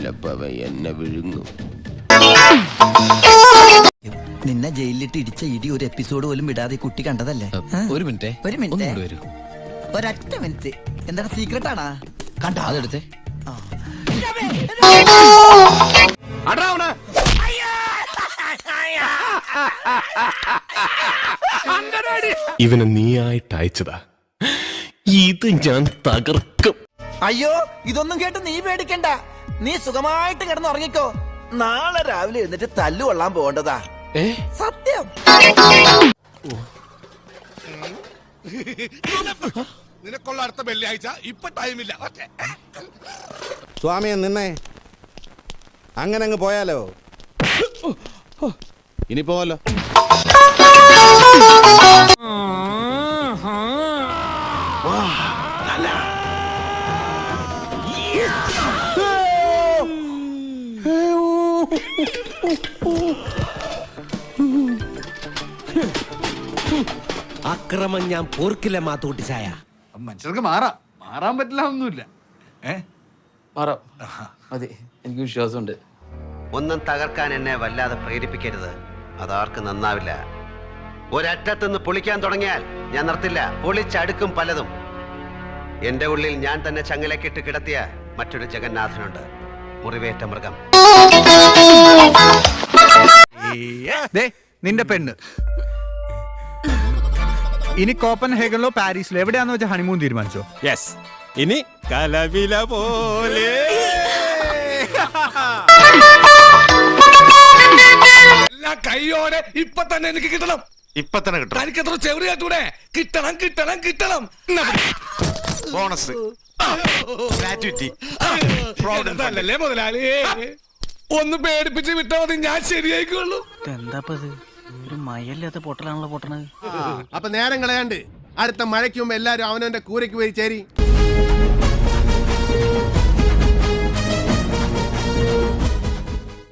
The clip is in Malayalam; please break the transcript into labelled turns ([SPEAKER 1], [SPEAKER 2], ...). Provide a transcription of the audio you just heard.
[SPEAKER 1] ചിലപ്പോ അവൻ എന്നെ വിഴുങ്ങും.
[SPEAKER 2] നിന്നെ ജയിലിലിട്ട് ഇടിച്ച ഇടി ഒരു എപ്പിസോഡ് പോലും വിടാതെ കുട്ടി കണ്ടതല്ലേ?
[SPEAKER 3] ഒരു മിനിറ്റ്
[SPEAKER 2] ഒരൊറ്റ മിനിറ്റ്. എന്താണ് സീക്രട്ട് ആണാ? കണ്ടോ?
[SPEAKER 3] അതെടുത്തേ.
[SPEAKER 4] ഇവനെ നീയായിട്ട് അയച്ചതാ. ഇത് ഞാൻ തകർക്കും.
[SPEAKER 2] അയ്യോ, ഇതൊന്നും കേട്ട് നീ പേടിക്കണ്ട. നീ സുഖമായിട്ട് കിടന്ന് ഉറങ്ങിക്കോ. നാളെ രാവിലെ എഴുന്നിട്ട് തല്ലു കൊള്ളാൻ പോകേണ്ടതാ. സത്യം.
[SPEAKER 5] നിനക്കുള്ള അടുത്ത വെള്ളിയാഴ്ച ഇപ്പൊ ടൈമില്ല.
[SPEAKER 6] സ്വാമിയെ നിന്നേ, അങ്ങനെ അങ്ങ് പോയാലോ? ഇനി പോവല്ലോ.
[SPEAKER 1] അക്രമം ഞാൻ പോർക്കില്ല മാത്തൂട്ടി ചായ.
[SPEAKER 5] മനുഷ്യർക്ക് മാറാൻ പറ്റില്ല ഒന്നുമില്ല.
[SPEAKER 3] മാറാം, മതി, എനിക്ക് വിശ്വാസമുണ്ട്.
[SPEAKER 7] ഒന്നും തകർക്കാൻ എന്നെ വല്ലാതെ പ്രേരിപ്പിക്കരുത്, അതാർക്കും നന്നാവില്ല. ഒരറ്റത്തുനിന്ന് പൊളിക്കാൻ തുടങ്ങിയാൽ ഞാൻ നിർത്തില്ല. പൊളിച്ചടുക്കും പലതും. എന്റെ ഉള്ളിൽ ഞാൻ തന്നെ ചങ്ങലക്കിട്ട് കിടത്തിയ മറ്റൊരു ജഗന്നാഥനുണ്ട്, മുറിവേറ്റ മൃഗം.
[SPEAKER 8] നിന്റെ പെണ്ണ് ഇനി കോപ്പൻഹേഗനിലോ പാരീസിലോ എവിടെയാന്ന് വെച്ചാൽ ഹണിമൂൺ തീരുമാനിച്ചോ?
[SPEAKER 4] യെസ്, ഇനി കലവില പോലെ.
[SPEAKER 5] എല്ലാ കൈയോടെ ഇപ്പൊ തന്നെ എനിക്ക് കിട്ടണം.
[SPEAKER 6] ഇപ്പൊ തന്നെ കിട്ടും.
[SPEAKER 5] എനിക്കെത്ര ചെറിയ കേട്ടൂടെ? കിട്ടണം.
[SPEAKER 6] ബോണസ്, ഗ്രാറ്റുവിറ്റി,
[SPEAKER 5] അതല്ലേ മുതലാളി? ഒന്ന് പേടിപ്പിച്ച് വിട്ടാ മതി, ഞാൻ ശരിയായിക്കോളൂ.
[SPEAKER 2] എന്താപ്പത്? ഒരു മയല്ലാത്ത പൊട്ടലാണല്ലോ പൊട്ടണത്.
[SPEAKER 9] അപ്പൊ നേരം കളയാണ്ട് അടുത്ത മഴയ്ക്ക് മുമ്പ് എല്ലാരും അവനവന്റെ കൂരയ്ക്ക് പോയി ചേരി.